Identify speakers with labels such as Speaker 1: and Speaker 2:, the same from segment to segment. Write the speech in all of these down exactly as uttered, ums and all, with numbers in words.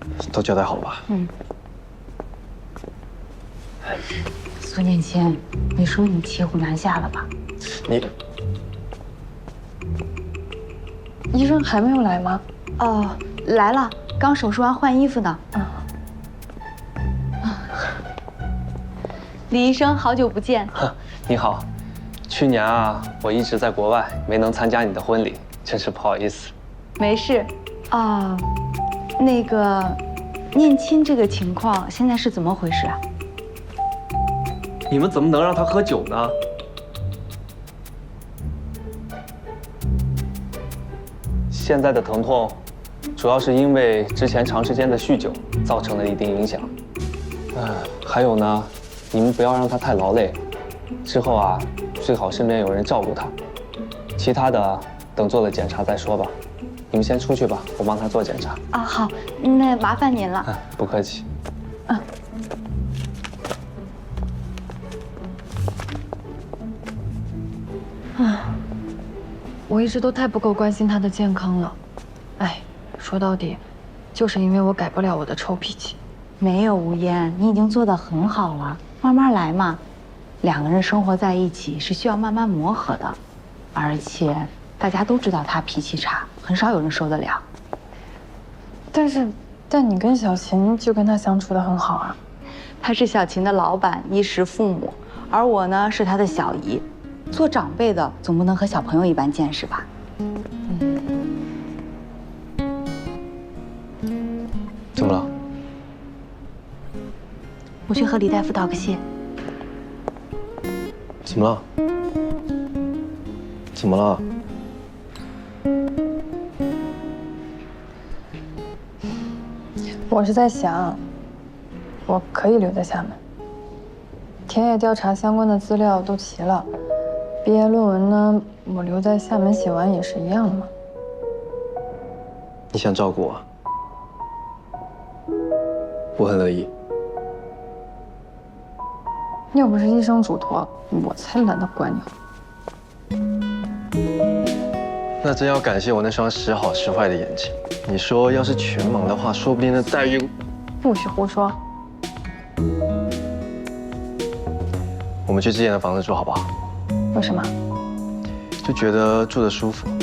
Speaker 1: 都交代好了吧？
Speaker 2: 嗯。苏念谦，你说你骑虎难下了吧？
Speaker 1: 你，
Speaker 3: 医生还没有来吗？
Speaker 2: 哦，来了，刚手术完换衣服呢。嗯。李医生，好久不见。
Speaker 1: 你好，去年啊，我一直在国外，没能参加你的婚礼，真是不好意思。
Speaker 2: 没事。啊、哦，那个，念亲这个情况现在是怎么回事啊？
Speaker 1: 你们怎么能让他喝酒呢？现在的疼痛，主要是因为之前长时间的酗酒造成了一定影响。呃，还有呢，你们不要让他太劳累，之后啊，最好身边有人照顾他。其他的等做了检查再说吧。你们先出去吧，我帮他做检查。
Speaker 2: 啊，好，那麻烦您了。
Speaker 1: 啊，不客气。
Speaker 2: 嗯。
Speaker 3: 啊，我一直都太不够关心他的健康了。哎，说到底，就是因为我改不了我的臭脾气。
Speaker 2: 没有吴嫣，你已经做得很好了，慢慢来嘛。两个人生活在一起是需要慢慢磨合的，而且大家都知道他脾气差，很少有人受得了。
Speaker 3: 但是，但你跟小琴就跟他相处得很好啊。
Speaker 2: 他是小琴的老板，衣食父母，而我呢是他的小姨。做长辈的总不能和小朋友一般见识吧？
Speaker 3: 嗯。
Speaker 1: 怎么了？
Speaker 2: 我去和李大夫道个谢。
Speaker 1: 怎么了？怎么了？
Speaker 3: 我是在想，我可以留在厦门。田野调查相关的资料都齐了，毕业论文呢，我留在厦门写完也是一样的嘛。
Speaker 1: 你想照顾我，我很乐意。
Speaker 3: 要不是医生嘱托，我才懒得管你。
Speaker 1: 那真要感谢我那双时好时坏的眼睛。你说要是全盲的话，说不定那待遇……
Speaker 3: 不许胡说。
Speaker 1: 我们去之前的房子住好不好？
Speaker 3: 为什么？
Speaker 1: 就觉得住得舒服。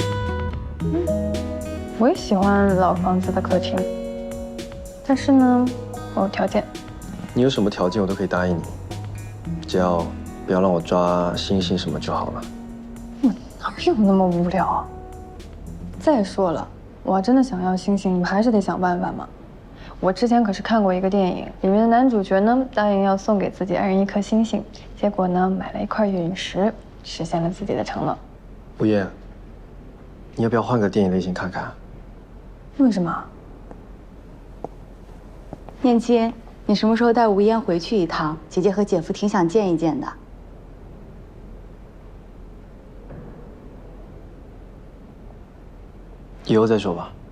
Speaker 3: 我也喜欢老房子的客厅，但是呢，我有条件。
Speaker 1: 你有什么条件我都可以答应你，只要不要让我抓星星什么就好了。
Speaker 3: 嗯，哪有那么无聊啊？再说了，我要真的想要星星，你们还是得想办法嘛。我之前可是看过一个电影，里面的男主角呢答应要送给自己爱人一颗星星，结果呢买了一块陨石，实现了自己的承诺。
Speaker 1: 吴燕，你要不要换个电影类型看看？
Speaker 3: 为什么？
Speaker 2: 念亲，你什么时候带吴嫣回去一趟？姐姐和姐夫挺想见一见的。
Speaker 1: 以后再说吧。